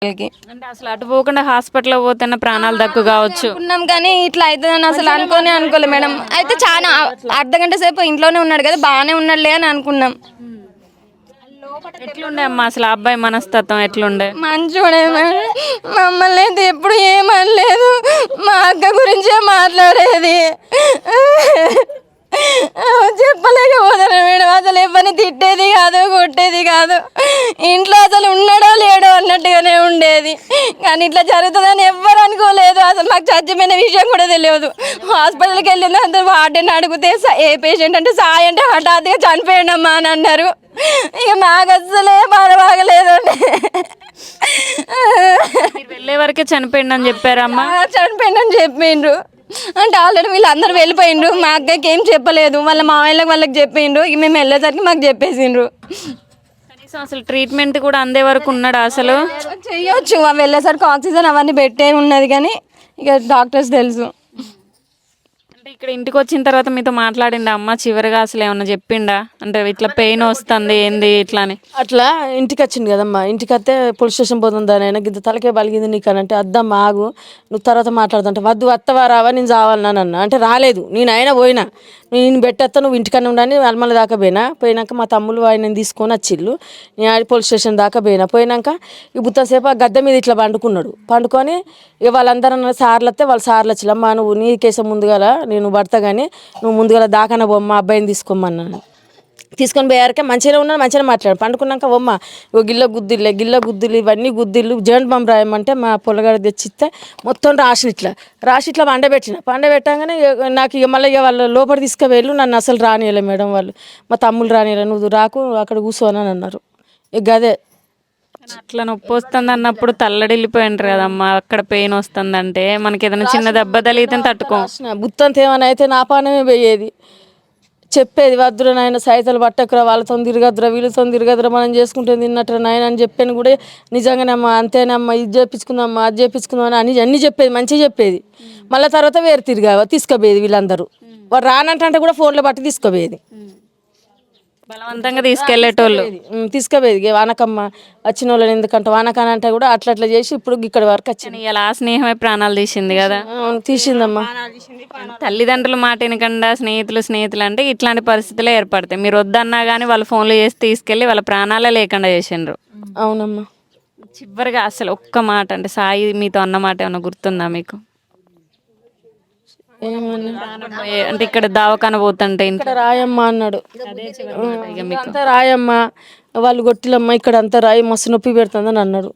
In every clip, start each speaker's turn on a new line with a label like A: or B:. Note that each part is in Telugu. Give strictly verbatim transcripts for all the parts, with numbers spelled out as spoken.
A: అంటే అసలు అటు పోకుండా హాస్పిటల్ పోతేనే ప్రాణాలు దక్కు కావచ్చు
B: అనుకున్నాం కానీ ఇట్లా అవుతుందని అసలు అనుకోనే అనుకోలేదు మేడం. అయితే చాలా అర్ధ గంట సేపు ఇంట్లోనే ఉన్నాడు కదా, బాగానే ఉన్నాడులే అని అనుకున్నాం.
A: ఎట్లుండే అమ్మా అసలు ఆ అబ్బాయి మనస్తత్వం ఎట్లుండే?
B: మంచోడే మేడం, మమ్మల్ని అయితే ఎప్పుడు ఏమనలేదు, మా అక్క గురించే మాట్లాడేది. చెప్పలేకపోతాను మేడం, అసలు ఎవరిని తిట్టేది కాదు, కొట్టేది కాదు. ఇంట్లో అసలు ఉన్నాడో లేడో అన్నట్టుగానే ఉండేది. కానీ ఇట్లా జరుగుతుందని ఎవ్వరు అనుకోలేదు. అసలు మాకు చచ్చిపోయిన విషయం కూడా తెలియదు. హాస్పిటల్కి వెళ్ళింది అందరు వార్డెన్ అడిగితే ఏ పేషెంట్ అంటే సాయి అంటే హఠాత్తుగా చనిపోయాడమ్మా అని అన్నారు. ఇక మాకు అసలే బాధ బాగలేదండి.
A: వెళ్ళే వరకే చనిపోయిండని చెప్పారమ్మా?
B: చనిపోయిండని చెప్పిండ్రు. అంటే ఆల్రెడీ వీళ్ళందరూ వెళ్ళిపోయిండ్రు. మా అక్కకి ఏం చెప్పలేదు, వాళ్ళ మామయ్యలకు వాళ్ళకి చెప్పిండ్రు. ఇక మేము వెళ్ళేసరికి మాకు చెప్పేసిండ్రు.
A: కనీసం అసలు ట్రీట్మెంట్ కూడా అందే వరకు ఉన్నాడు అసలు?
B: చెయ్యొచ్చు, అవి వెళ్ళేసరికి ఆక్సిజన్ అవన్నీ పెట్టే ఉన్నది, కానీ ఇక డాక్టర్స్ తెలుసు.
A: అంటే ఇక్కడ ఇంటికి వచ్చిన తర్వాత మీతో మాట్లాడిండా అమ్మ చివరిగా? అసలు ఏమన్నా చెప్పిండా అంటే ఇట్లా పెయిన్ వస్తుంది ఏంది ఇట్లా అని?
C: అట్లా ఇంటికి వచ్చింది కదమ్మా, ఇంటికి వస్తే పోలీస్ స్టేషన్ పోతుందా నేను గింత తలకే బలిగింది నీకు అని అంటే, అద్దమ్మా ఆగు నువ్వు తర్వాత మాట్లాడుతుంటే, వద్దు వత్తవా రావా నేను చావాలన్నా అన్న అంటే రాలేదు. నేను అయినా పోయినా, నేను పెట్టేస్తా నువ్వు ఇంటికన్నా ఉండని అల్మల దాకా పోయినా. పోయినాక మా తమ్ముళ్ళు ఆయన తీసుకొని వచ్చిళ్ళు. నేను ఆడి పోలీస్ స్టేషన్ దాకా పోయినా. పోయినాక ఈ బుత్తసేపు ఆ గద్దె మీద ఇట్లా పండుకున్నాడు. పండుకొని ఇక వాళ్ళందరూ సార్లు వస్తే వాళ్ళు సార్లు వచ్చిల్లమ్మా నువ్వు నీ కేసం ముందుగల నేను పడతా కానీ నువ్వు ముందుగల దాకాన బొమ్మ అబ్బాయిని తీసుకోమన్నాను. తీసుకొని పోయారకే మంచిగా ఉన్నాను, మంచిగా మాట్లాడు. పండుకున్నాక బొమ్మ ఓ గిల్ల గుద్దిల్లే గిల్ల గుద్దులు ఇవన్నీ గుద్దిళ్ళు జెంట్ బొమ్మ రాయమంటే మా పొలగాడ తెచ్చిస్తే మొత్తం రాసి ఇట్లా రాసి ఇట్లా పండబెట్టిన. పండబెట్టగానే నాకు ఇక మళ్ళీ ఇక వాళ్ళు లోపల తీసుకువెళ్ళు, నన్ను అసలు రానియలే మేడం వాళ్ళు, మా తమ్ముళ్ళు రానియలే, నువ్వు రాకు అక్కడ కూర్చోని అన్నారు. ఇక అదే
A: అట్లా నొప్పి వస్తుంది అన్నప్పుడు తల్లడిల్లిపోయింటారు కదమ్మా. అక్కడ పెయిన్ వస్తుందంటే మనకి ఏదైనా చిన్న దెబ్బ తగిలితే తట్టుకో.
C: బుత్తంత ఏమైనా అయితే నా పానమే పోయేది. చెప్పేది వద్దురా నాయన సైతలు పట్టకురా, వాళ్ళతో తిరగద్దురా వీళ్ళతో తిరగద్దురా, మనం చేసుకుంటే తిన్నట్టు నాయన అని చెప్పాను కూడా. నిజంగానమ్మా అంతేనమ్మా, ఇది చేపించుకుందామ్మా అది చేపించుకుందామని అని అన్నీ చెప్పేది, మంచిగా చెప్పేది. మళ్ళీ తర్వాత వేరు తిరిగా తీసుకుపోయేది. వీళ్ళందరూ వాడు రానంటే కూడా ఫోన్లో బట్టి తీసుకుపోయేది,
A: బలవంతంగా తీసుకెళ్లేటోళ్ళు
C: తీసుకుపోయేది. వానకమ్మ వచ్చిన వాళ్ళని ఎందుకంటే వానకాన అంటే కూడా అట్లా అట్లా చేసి ఇప్పుడు ఇక్కడ వరకు వచ్చింది.
A: ఇలా స్నేహమే ప్రాణాలు తీసింది కదా.
C: తీసిందమ్మా.
A: తల్లిదండ్రుల మాట వినకుండా స్నేహితులు స్నేహితులు అంటే ఇట్లాంటి పరిస్థితులే ఏర్పడతాయి. మీరు వద్దన్నా కానీ వాళ్ళ ఫోన్లు చేసి తీసుకెళ్ళి వాళ్ళ ప్రాణాలే లేకుండా చేసిండ్రు.
C: అవునమ్మా.
A: చివరిగా అసలు ఒక్క మాట అంటే సాయి మీతో అన్న మాట ఏమన్నా గుర్తుందా మీకు? అంటే ఇక్కడ దావకాన పోతుంటే
C: ఇక్కడ రాయమ్మ అన్నాడు, అంతా రాయమ్మ వాళ్ళు కొట్టిలమ్మ ఇక్కడ అంతా రాయి మస్తు నొప్పి పెడుతుందని అన్నాడు.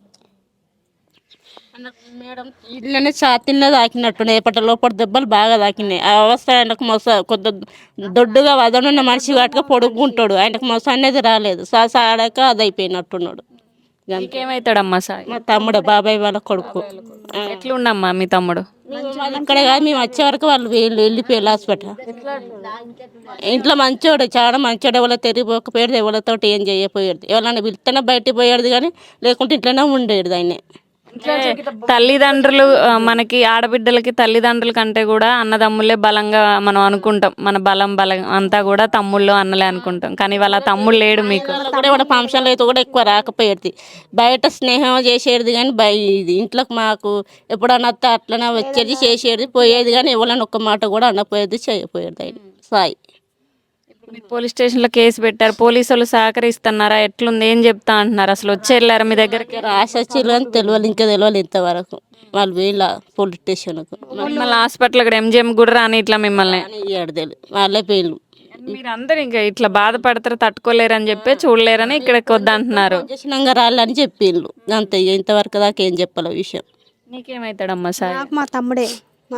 D: మేడం ఇట్లనే ఛాతీలో తాకినట్టు ఎప్పటి లోపల దెబ్బలు బాగా తాకినాయి. ఆ అవస్థ ఆయనకు మొస కొద్ది దొడ్డుగా వదనున్న మనిషి వాటిగా పొడుగుంటాడు, ఆయనకు మొస అనేది రాలేదు. సాస ఆడాక అది అయిపోయినట్టున్నాడు.
A: ఏమవుతాడమ్మా సాయి?
D: మా తమ్ముడు బాబాయ్ వాళ్ళ కొడుకు.
A: ఎట్లుండమ్మా మీ తమ్ముడు?
D: ఇక్కడ కాదు మేము వచ్చే వరకు వాళ్ళు వీళ్ళు వెళ్ళిపోయారు హాస్పిటల్. ఇంట్లో మంచోడు, చాలా మంచోడు. ఎవరో తిరిగిపోకపోయాడు, ఎవరితో ఏం చేయకపోయాడు. ఎవరైనా పిలిస్తేనే బయటికి పోయాడు కానీ లేకుంటే ఇంట్లోనే ఉండేది ఆయనే.
A: తల్లిదండ్రులు మనకి ఆడబిడ్డలకి తల్లిదండ్రుల కంటే కూడా అన్నదమ్ములే బలంగా మనం అనుకుంటాం. మన బలం బలం అంతా కూడా తమ్ముళ్ళు అన్నలే అనుకుంటాం. కానీ వాళ్ళ తమ్ముళ్ళు లేడు మీకు.
D: కూడా ఫంక్షన్లు అయితే కూడా ఎక్కువ రాకపోయేది, బయట స్నేహం చేసేది కానీ బయ ఇది ఇంట్లోకి మాకు ఎప్పుడన్నా వస్తే అట్లనే వచ్చేది చేసేది పోయేది కానీ ఎవరైనా ఒక్క మాట కూడా అనపోయేది చేయపోయేది ఆయన సాయి.
A: మీరు పోలీస్ స్టేషన్లో కేసు పెట్టారు, పోలీసు వాళ్ళు సహకరిస్తున్నారా? ఎట్లుంది ఏం చెప్తా అంటున్నారు? అసలు వచ్చి వెళ్ళారా మీ దగ్గరికి?
D: రాసి వచ్చారు కానీ తెలియాలి, ఇంకా తెలియాలి ఇంతవరకు. వాళ్ళు వీళ్ళ పోలీస్ స్టేషన్కు
A: మిమ్మల్ని హాస్పిటల్ ఇక్కడ ఎంజిఎం కూడా రాని ఇట్లా మిమ్మల్ని
D: ఇయ్యాడు తెలియదు, వాళ్ళే పేర్లు.
A: మీరు అందరు ఇంకా ఇట్లా బాధపడతారు తట్టుకోలేరని చెప్పి చూడలేరని ఇక్కడికి వద్దంటున్నారు.
D: చేసినాక రాళ్ళని చెప్పిండ్రు అంతే, ఇంతవరకు దాకా ఏం చెప్పాలి విషయం.
A: నీకేమవుతాడమ్మా సాయి?
E: మా తమ్ముడే.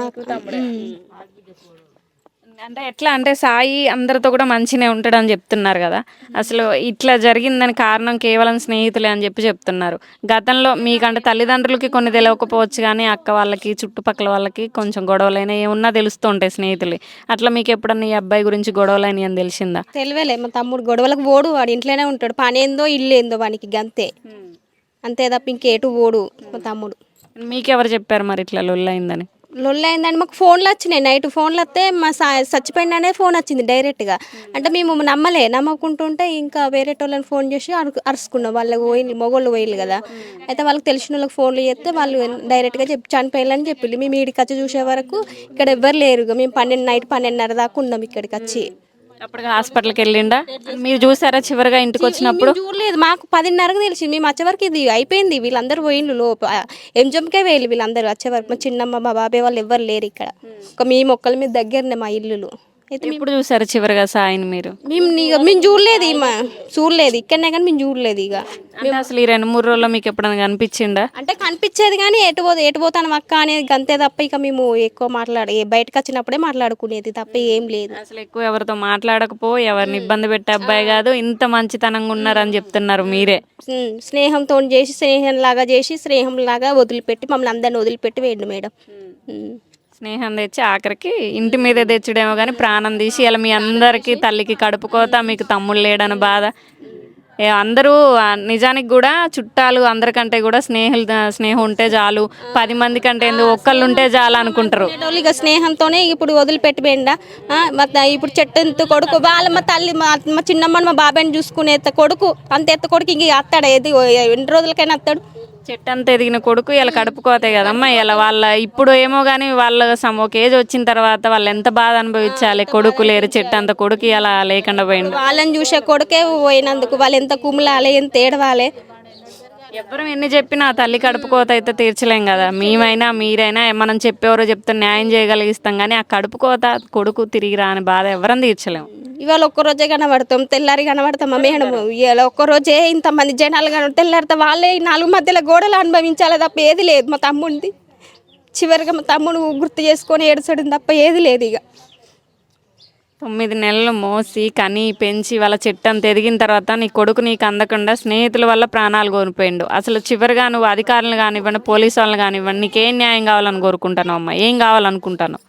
A: అంటే ఎట్లా అంటే సాయి అందరితో కూడా మంచిగానే ఉంటాడని చెప్తున్నారు కదా. అసలు ఇట్లా జరిగిందని కారణం కేవలం స్నేహితులే అని చెప్పి చెప్తున్నారు. గతంలో మీకంటే తల్లిదండ్రులకి కొన్ని తెలియకపోవచ్చు కానీ అక్క వాళ్ళకి చుట్టుపక్కల వాళ్ళకి కొంచెం గొడవలైనా ఏమున్నా తెలుస్తూ ఉంటాయి స్నేహితులు. అట్లా మీకు ఎప్పుడన్నా ఈ అబ్బాయి గురించి గొడవలైన అని తెలిసిందా?
E: తెలియలే, మా తమ్ముడు గొడవలకు పోడు, వాడు ఇంట్లోనే ఉంటాడు. పని ఏందో ఇల్లు ఏందో వానికి గంతే, అంతే తప్ప ఇంకేటు పోడు మా తమ్ముడు.
A: మీకెవరు చెప్పారు మరి ఇట్లా లొల్లైందని?
E: లొల్లి అయిందంటే మాకు ఫోన్లు వచ్చినాయి నైట్ ఫోన్లు వస్తే మా సా చచ్చిపోయిందనే ఫోన్ వచ్చింది డైరెక్ట్గా. అంటే మేము నమ్మలే, నమ్మకుంటుంటే ఇంకా వేరే వాళ్ళని ఫోన్ చేసి అరు అరుచుకున్నాం. వాళ్ళకి పోయింది మొగోళ్ళు పోయిలు కదా, అయితే వాళ్ళకి తెలిసిన వాళ్ళకి ఫోన్లు చేస్తే వాళ్ళు డైరెక్ట్గా చెప్పి చనిపోయాలని చెప్పింది. మేము ఇక్కడికి వచ్చి చూసే వరకు ఇక్కడ ఎవ్వరు లేరు. మేము పన్నెండు నైట్ పన్నెండున్నర దాకా ఉన్నాం ఇక్కడికి వచ్చి.
A: అప్పటికి హాస్పిటల్కి వెళ్ళిండా? మీరు చూసారా చివరిగా ఇంటికి వచ్చినప్పుడు?
E: మేము చూడలేదు, మాకు పదిన్నరకు తెలిసింది. మేము వచ్చే వరకు ఇది అయిపోయింది, వీళ్ళందరూ పోయిండ్రు లోప ఎంజంకే వేయాలి వీళ్ళందరూ వచ్చే వరకు. మా చిన్నమ్మ మా బాబాయ్ వాళ్ళు ఎవ్వరు లేరు ఇక్కడ, ఒక మేము ఒక్కళ్ళ మీద దగ్గరనే మా ఇల్లులు. అయితే
A: ఎప్పుడు చూసారు చివరిగా సాయిని మీరు?
E: మేము ఇక మేము చూడలేదు, ఇక చూడలేదు ఇక్కడనే కానీ మేము చూడలేదు. ఇక
A: అంటే అసలు ఈ రెండు మూడు రోజుల్లో మీకు ఎప్పుడైనా కనిపించిందా?
E: అంటే కనిపించేది కానీ ఎటు పో ఎటు పోతాను అక్క అనేది అంతే తప్ప ఇక మేము ఎక్కువ మాట్లాడే బయటకు వచ్చినప్పుడే మాట్లాడుకునేది తప్ప ఏం లేదు.
A: అసలు ఎక్కువ ఎవరితో మాట్లాడకపో, ఎవరిని ఇబ్బంది పెట్టే అబ్బాయి కాదు, ఇంత మంచితనంగా ఉన్నారని చెప్తున్నారు మీరే.
E: ఉమ్, స్నేహంతో చేసి స్నేహం లాగా చేసి స్నేహం లాగా వదిలిపెట్టి మమ్మల్ని అందరిని వదిలిపెట్టి వేయండి మేడం. ఉమ్.
A: స్నేహం తెచ్చి ఆఖరికి ఇంటి మీద తెచ్చుడేమో కానీ ప్రాణం తీసి ఇలా మీ అందరికీ తల్లికి కడుపుకోత, మీకు తమ్ముళ్ళు లేడని బాధ. ఏ అందరూ ఆ, నిజానికి కూడా చుట్టాలు అందరికంటే కూడా స్నేహితులు స్నేహం ఉంటే చాలు, పది మంది కంటే ఎందుకు ఒక్కళ్ళు ఉంటే చాలు అనుకుంటారు.
E: ఉండేటోళ్ళు ఇక స్నేహంతోనే ఇప్పుడు వదిలిపెట్టి పోయిండా. మరి ఇప్పుడు చెట్టు ఎత్తు కొడుకు వాళ్ళ మా తల్లి మా మా చిన్నమ్మని మా బాబాయ్ని చూసుకునే ఎత్త కొడుకు అంత ఎత్త కొడుకు ఇంక అత్తాడు ఏది ఎన్ని రోజులకైనా అత్తాడు.
A: చెట్టు అంతా ఎదిగిన కొడుకు ఇలా కడుపుకోతాయి కదమ్మా. ఇలా వాళ్ళ ఇప్పుడు ఏమో కానీ వాళ్ళ సమ ఒక ఏజ్ వచ్చిన తర్వాత వాళ్ళు ఎంత బాధ అనుభవించాలి. కొడుకు లేరు, చెట్టు అంత కొడుకు ఇలా లేకుండా పోయిండు.
E: వాళ్ళని చూసే కొడుకే పోయినందుకు వాళ్ళు ఎంత కుమ్లాలి ఎంత ఏడవాలి.
A: ఎవరు ఎన్ని చెప్పినా ఆ తల్లి కడుపుకోత అయితే తీర్చలేం కదా. మేమైనా మీరైనా మనం చెప్పేవారో చెప్తే న్యాయం చేయగలిగిస్తాం, కానీ ఆ కడుపుకోత కొడుకు తిరిగి రాని బాధ ఎవరని తీర్చలేము.
E: ఇవాళ ఒక్కరోజే కనబడతాం, తెల్లారి కనబడతాం. మేడం ఇవాళ ఒక్కరోజే ఇంతమంది జనాలు కన తెల్లారితే వాళ్ళే ఈ నాలుగు మధ్యలో గోడలు అనుభవించాలి తప్ప ఏది లేదు. మా తమ్ముడిది చివరిగా మా తమ్ముడు గుర్తు చేసుకొని ఏడ్చడం తప్ప ఏది లేదు. ఇక
A: తొమ్మిది నెలలు మోసి కని పెంచి వాళ్ళ చెట్టు అంత ఎదిగిన తర్వాత నీ కొడుకు నీకు అందకుండా స్నేహితుల వల్ల ప్రాణాలు కోల్పోయిండు. అసలు చివరిగా నువ్వు అధికారులు కానివ్వండి, పోలీసు వాళ్ళని కానివ్వండి, నీకేం న్యాయం కావాలని కోరుకుంటాను అమ్మ? ఏం కావాలనుకుంటాను?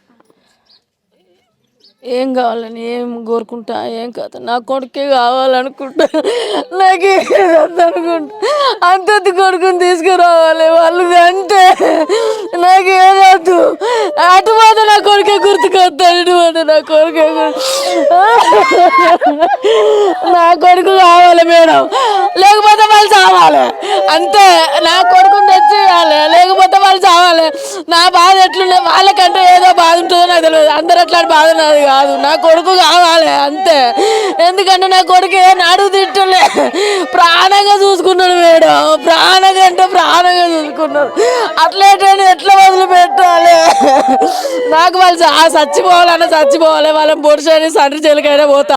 C: ఏం కావాలని ఏం కోరుకుంటా ఏం కాదు, నా కొడుకే కావాలనుకుంటా. నాకే అనుకుంటా అంత కొడుకుని తీసుకురావాలి వాళ్ళు అంటే నాకేదద్దు. అటు పోతే నా కొడుకే గుర్తుకొస్తాను, ఇటు పోతే నా కొడుకే నా కొడుకు కావాలి మేడం, లేకపోతే వాళ్ళు చావాలి అంతే. నా కొడుకుని తెచ్చేయాలి, లేకపోతే వాళ్ళు చావాలి. నా బాధ ఎట్లుండే వాళ్ళకంటే ఏదో బాధ ఉంటుందో నాకు తెలియదు, అందరు అట్లాంటి బాధ నాది కాదు. నా కొడుకు కావాలి అంతే. ఎందుకంటే నా కొడుకు ఏ నాడు తిట్టలే, ప్రాణంగా చూసుకున్నాడు మేడం, ప్రాణంగా అంటే ప్రాణంగా చూసుకున్నాడు. అట్లేటని ఎట్లా వదిలిపెట్టాలి? నాకు వాళ్ళు చచ్చిపోవాలన్నా చచ్చిపోవాలి, వాళ్ళని పొడిచని సండ్రి చెలికైనా పోతా.